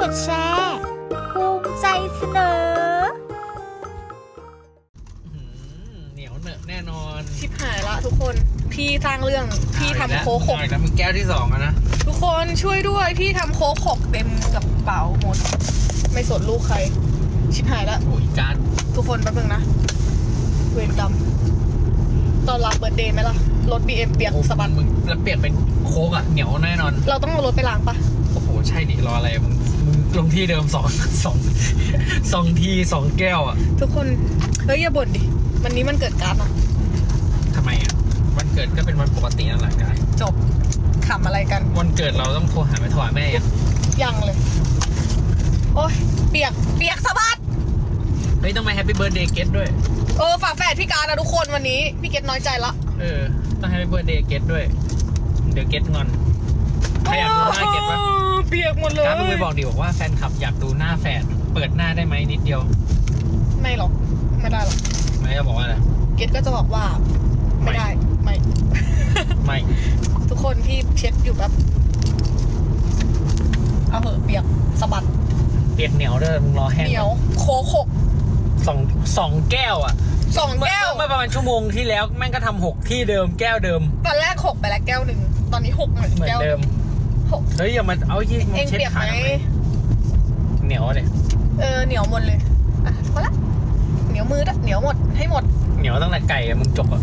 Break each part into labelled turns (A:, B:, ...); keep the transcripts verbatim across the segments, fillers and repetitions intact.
A: ดแชร์ภูมิใจเสนอ
B: เหนียวเหนอะแน่นอน
C: ชิบหายละทุกคนพี่สร้างเรื่องพี่ทำโค้กหก
B: แล้วมึงแก้วที่สองอะนะ
C: ทุกคนช่วยด้วยพี่ทำโค้กหกเต็มกระเป๋าหมดไม่สนลูกใครชิบหายละ
B: โอ้ยการ
C: ทุกคนแป๊บนึงนะเวรกรรมตอนรับเบิร์ดเดย์ไหมล่ะรถ บี เอ็ม เปียกสะบัด
B: มึงแล้วเปียกเป็นโค้กอะเหนียวแน่นอน
C: เราต้องเอารถไปล้างปะ
B: โอ้โหใช่ดิรออะไรมึงมึงลงที่เดิมสองสองสองทีสองแก้วอะ
C: ทุกคนเฮ้ยอย่าบ่นดิวันนี้มันเกิดการอะ
B: ทำไมอะวันเกิดก็เป็นวันปกตินั่นแหละกัน
C: จบขำอะไรกัน
B: วันเกิดเราต้องโทรหาไปโทรหาแม่ยัง
C: ยังเลยโอ้ยเปียกเปียกสะบัด
B: เฮ้ยต้องมาแฮปปี้เบิร์ดเดย์เกตด้วย
C: เออฝากแฝดพี่การนะทุกคนวันนี้พี่เกตน้อยใจละ
B: เออต้องแฮปปี้เบิร์ดเดย์เกตด้วยเดี๋ยวเกตงอนใครอยากดูหน้าเกตปะ
C: เปียกหมดเลย
B: การมึงไปบอกดิบอกว่าแฟนคลับอยากดูหน้าแฝดเปิดหน้าได้ไหมนิดเดียว
C: ไม่หรอกไม่ได้หรอก
B: ไม่จะบอกว่าอะไร
C: เกตก็จะบอกว่าไม่ได้ไม่
B: ไม่
C: ทุกคนพี่เช็ดอยู่แบบเอาเหอะเปียกสะบัด
B: เปียกเหนียวด้วยมึงรอแห้ง
C: เหนียวโคโค
B: สองสองแก้วอ่ะ
C: สองแก้ว
B: เมื่อประมาณชั่วโมงที่แล้วแม่งก็ทำหกที่เดิมแก้วเดิม
C: ตอนแรกหกไปแล้วแก้วหนึ่งตอนนี้หกเหมือน
B: เหมือนเดิม
C: หก
B: เฮ้ยอย่ามาเอายี่มึงเช็ดขาเหนียวเลย
C: เออเหนียวหมดเลยอ่ะพอละเหนียวมือด้วยเหนียวหมดให้หมด
B: เหนียวตั้งแต่ไก่อะมึงจบอะ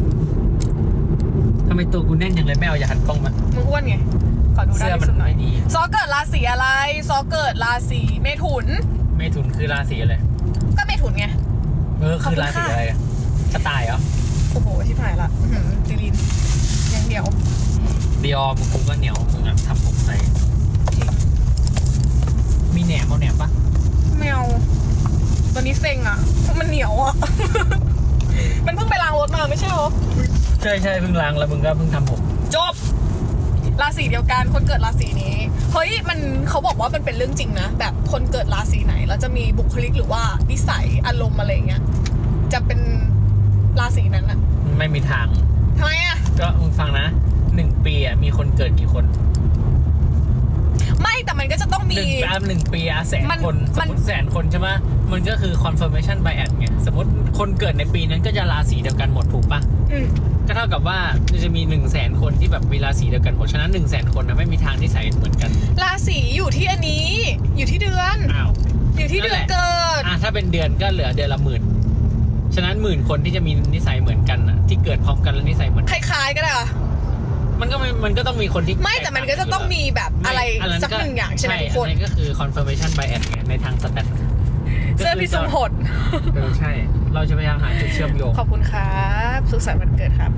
B: ทำไมตัวกูแน่นอย่างเลยไม่เอาอย่าหันกล้องมา
C: มึงอ้วนไงขอดูได้
B: ที่สุดหน่อยดี
C: ซอเกิดราศีอะไรซอเกิดราศีเมถุน
B: เมถุนคือราศีอะไร
C: ก็เมถุนไง
B: เออคือราศีอะไรกระต่ายเหรอ
C: โอ้โหชิบหายละจีรินยังเหนียว
B: เดียมึงคงก็เหนียวมึงอ่ะทำผมใส่มีแหนมเอาแหนมปะ
C: ไม่เอาตอนนี้เซ็งอ่ะมันเหนียวอ่ะมันเพิ่งไปล้างรถมาไม่ใช่หรอ
B: ใช่ใช่เพิ่งล้างแล้วมึงก็เพิ่งทำผม
C: จบราศีเดียวกันคนเกิดราศีนี้เฮ้ยมันเขาบอกว่ามันเป็นเรื่องจริงนะแบบคนเกิดราศีไหนแล้วจะมีบุคลิกหรือว่านิสัยอารมณ์อะไรเงี้ยจะเป็นราศีนั้นอะ
B: ไม่มีทาง
C: ทำไมอะ
B: ก็มึงฟังนะหนึ่งปีอะมีคนเกิดกี่คน
C: ไม่แต่มันก็จะต้องมี
B: หนึ่งปีหนึ่งปีอะแสนคนสมมติแสนคนใช่ไหมมันก็คือ confirmation bias ไงสมมติคนเกิดในปีนั้นก็จะราศีเดียวกันหมดถูกปะก็เท่ากับว่าจะมีหนึ่งแสนคนที่แบบมีราศีเดียวกันหมดฉะนั้นหนึ่งแสนคนนะไม่มีทางที่ใส่เหมือนกัน
C: ราศีอยู่ที่อันนี้อยู่ที่เดือน
B: อ้าว
C: อยู่ที่เดือนเกิด
B: อ่ะถ้าเป็นเดือนก็เหลือเดือนละหมื่นฉะนั้นหมื่นคนที่จะมีนิสัยเหมือนกันอ่ะที่เกิดพร้อมกันแล้วนิสัยเหมือน
C: คล้ายๆก็ได้อะ
B: มันก็มันก็ต้องมีคนที่
C: ไม่แต่มันก็จะต้องมีแบบอะไรสักหนึ่งอย่างใช่ไหมทุกคน
B: นี่ก็คือ confirmation bias ไงในทางสแตท
C: เสื้อพิสมผล
B: เออใช่เราจะพยายามหาจุดเชื่อมโยง
C: ขอบคุณครับสุขสันต์วันเกิดครับ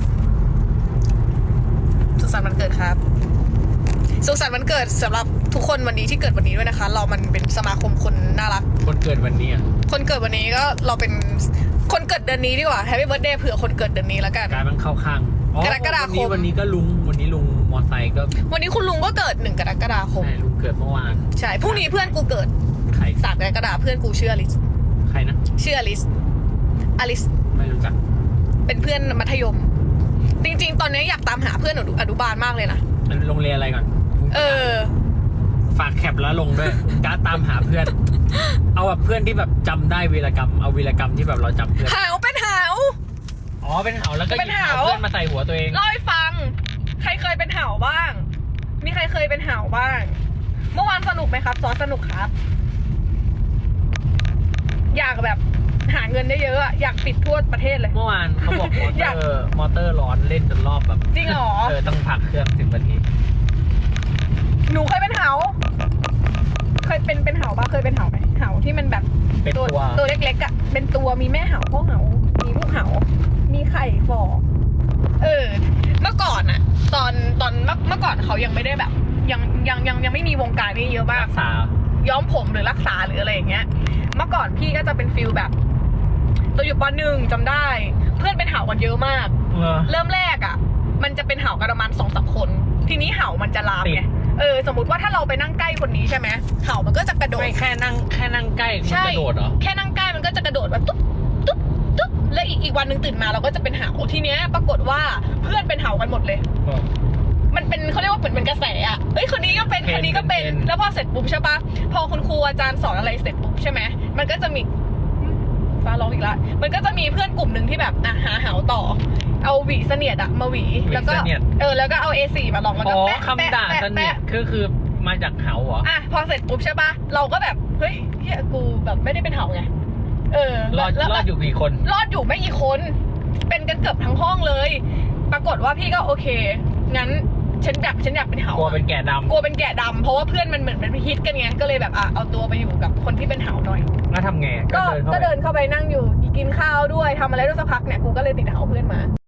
C: สุขสันต์วันเกิดครับสุขสันต์วันเกิดสำหรับทุกคนวันนี้ที่เกิดวันนี้ด้วยนะคะเรามันเป็นสมาคมคนน่ารัก
B: คนเกิดวันนี้อ่ะ
C: คนเกิดวันนี้ก็เราเป็นคนเกิดเดือนนี้ดีกว่า Happy Birthday เผื่อคนเกิดเดือนนี้แล้วกัน
B: การมันเข้าข้าง
C: กรกฎาคม
B: วันนี้ก็ลุงวันนี้ลุงมอไซค์ก็
C: วันนี้คุณลุงก็เกิดหนึ่งกรกฎาคม
B: ใช่ลุงเกิดเมื่อวาน
C: ใช่พรุ่งนี้เพื่อนกูเกิด
B: ใคร
C: สามกรกฎาเพื่อนกูชื่ออลิส
B: ใครนะ
C: ชื่ออลิสอลิส
B: ไม่รู้จัก
C: เป็นเพื่อนมัธยมจริงๆตอนนี้อยากตามหาเพื่อนอนุบาลมากเลยนะ
B: โรงเรียนอะไรก่อน
C: เออ
B: ฝากแคปแล้วลงด้วยการตามหาเพื่อนเอาแบบเพื่อนที่แบบจำได้วีรกรรมเอาวีรกรรมที่แบบเราจำเพื่อน
C: หาวเป็นหาว
B: อ๋อเป็นหาวแล้วก็หยิบหาวเพื่อนมาใส่หัวตัวเอง
C: เล่าให้ฟังใครเคยเป็นหาวบ้างมีใครเคยเป็นหาวบ้างเมื่อวานสนุกไหมครับซอสนุกครับอยากแบบหาเงินได้เยอะอยากปิดทั่วประเทศเลย
B: เมื่อวานเขาบอกมอเตอร์มอเตอร์ร้อนเล่นจนรอบแบบ
C: จริงเหรอ
B: เออต้องพักเครื่องสิบนาที
C: หนูเคยเป็นหาวเคยเป็นเป็นหาวบ้างเคยเป็นหาวไหมหาวที่มันแบบ
B: ตัว
C: ตัวเล็กๆอ่ะเป็นตัวมีแม่หาวพ่อหาวมีลูกหาวมีไข่ฟอเออเมื่อก่อนอะตอนตอนเมื่อก่อนเขายังไม่ได้แบบยังยังยังยังไม่มีวงการนี้เยอะมาก
B: รักษา
C: ย้อมผมหรือรักษาหรืออะไรอย่างเงี้ยเมื่อก่อนพี่ก็จะเป็นฟิลแบบตัวอยู่ป.หนึ่งจำได้เพื่อนเป็นเห่ากันเยอะมากเริ่มแรกอะมันจะเป็นเห่ากันประมาณสองสามคนทีนี้เห่ามันจะลามไงเออสมมติว่าถ้าเราไปนั่งใกล้คนนี้ใช่ไหมเห่ามันก็จะกระโดด
B: ไม่แค่นั่งแค่นั่งใกล้มันกระโดดเหรอ
C: แค่นั่งใกล้มันก็จะกระโดดแบบตุ๊บตุ๊บตุ๊บแล้วอีกอีกวันหนึ่งตื่นมาเราก็จะเป็นเห่าทีเนี้ยปรากฏว่าเพื่อนเป็นเห่ากันหมดเลยมันเป็นเขาเรียกว่าเหมือนเป็นกระแสอ่ะเอ้ยคนนี้ก็เป็นคนนี้ก็เป็นแล้วพอเสร็จปุ๊บใช่ปะพอคุณครูอาจารย์สอนอะไรเสร็จปุ๊บใช่ไหมมันก็จะมีฟ้าร้องอีกละมันก็จะมีเพื่อนกลุ่มหนึ่งที่แบบอ่ะหาเหาต่อเอาหวีเสนียดอะมาหวีแล้วก็เออแล้วก็เอา เอ โฟร์ มาลองแล้วก็
B: อ๋อ
C: แปะ
B: คำด่าเสนียดคือคือมาจากเหาเหรอ
C: อ่ะพอเสร็จปุ๊บใช่ปะเราก็แบบเฮ้ยเฮียกูแบบไม่ได้เป็นเหาไงเออ
B: รอดรอดอยู่กี่คน
C: รอดอยู่ไม่กี่คนเป็นกันเกือบทั้งห้องเลย ปรากฏว่าพี่ก็โอเคงั้นฉันอยากฉันอยากเป็นเหาก
B: ลัวเป็นแกะดำ
C: กลัวเป็นแกะดำเพราะว่าเพื่อนมันเหมือนมันฮิตกันไงก็เลยแบบอ่ะเอาตัวไปอยู่กับคนที่เป็นเหาหน่อย
B: แล้วทำไง
C: ก็
B: เข้า
C: ก็
B: ไป
C: เดินเข้าไปนั่งอยู่กินข้าวด้วยทำอะไรด้วยสักพักเนี่ยกูก็เลยติดเหาเพื่อนมา